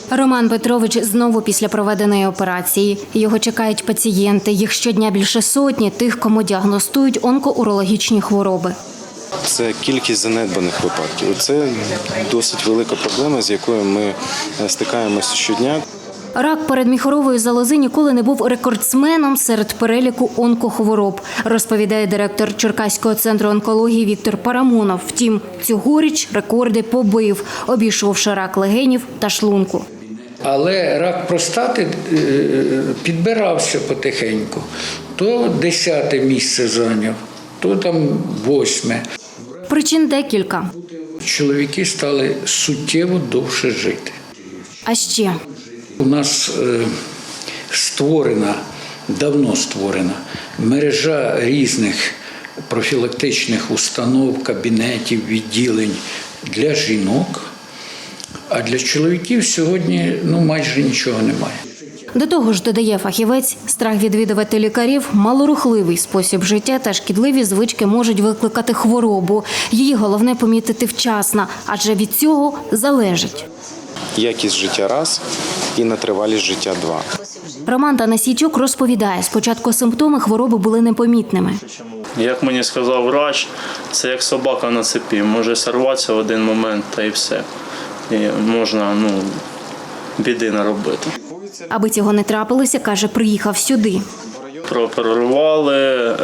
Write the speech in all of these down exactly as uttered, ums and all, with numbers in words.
Роман Петрович знову після проведеної операції. Його чекають пацієнти. Їх щодня більше сотні тих, кому діагностують онкоурологічні хвороби. Це кількість занедбаних випадків. Це досить велика проблема, з якою ми стикаємося щодня. Рак передміхорової залози ніколи не був рекордсменом серед переліку онкохвороб, розповідає директор Черкаського центру онкології Віктор Парамонов. Втім, цьогоріч рекорди побив, обійшовши рак легенів та шлунку. Але рак простати підбирався потихеньку. То десяте місце зайняв, то там восьме. Причин декілька. Чоловіки стали суттєво довше жити. А ще у нас створена, давно створена мережа різних профілактичних установ, кабінетів, відділень для жінок, а для чоловіків сьогодні ну, майже нічого немає. До того ж, додає фахівець, страх відвідувати лікарів, малорухливий спосіб життя та шкідливі звички можуть викликати хворобу. Її головне помітити вчасно, адже від цього залежить. Якість життя – раз, і нетривалість життя – два. Роман Танасійчук розповідає, спочатку симптоми хвороби були непомітними. Як мені сказав врач, це як собака на цепі, може сорватися в один момент та і все. І можна ну, біди наробити. Аби цього не трапилося, каже, приїхав сюди. Прооперували,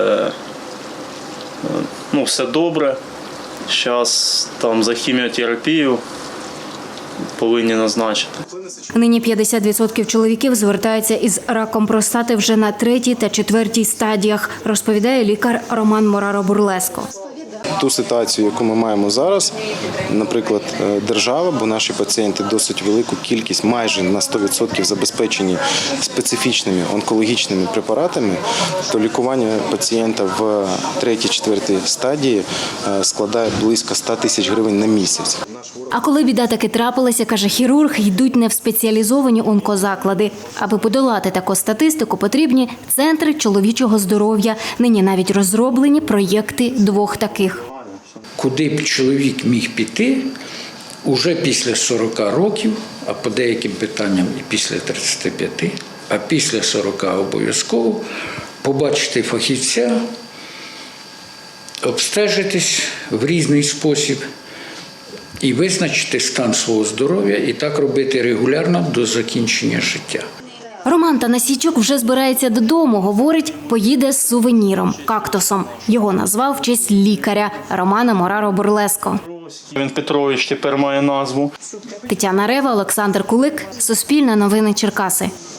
ну все добре. Зараз там за хіміотерапію повинні назначити. Нині п'ятдесят відсотків чоловіків звертаються із раком простати вже на третій та четвертій стадіях, розповідає лікар Роман Мораро-Бурлеско. Ту ситуацію, яку ми маємо зараз, наприклад, держава, бо наші пацієнти досить велику кількість, майже на сто відсотків забезпечені специфічними онкологічними препаратами, то лікування пацієнта в третій-четвертій стадії складає близько ста тисяч гривень на місяць. А коли біда таки трапилася, каже хірург, йдуть не в спеціалізовані онкозаклади. Аби подолати таку статистику, потрібні центри чоловічого здоров'я. Нині навіть розроблені проєкти двох таких. Куди б чоловік міг піти уже після сорока років, а по деяким питанням і після тридцяти п'яти, а після сорока обов'язково побачити фахівця, обстежитись в різний спосіб і визначити стан свого здоров'я, і так робити регулярно до закінчення життя. Роман Танасійчук вже збирається додому, говорить, поїде з сувеніром – кактусом. Його назвав в честь лікаря Романа Мораро-Бурлеско. Він Петрович тепер має назву. Тетяна Рева, Олександр Кулик, Суспільне новини Черкаси.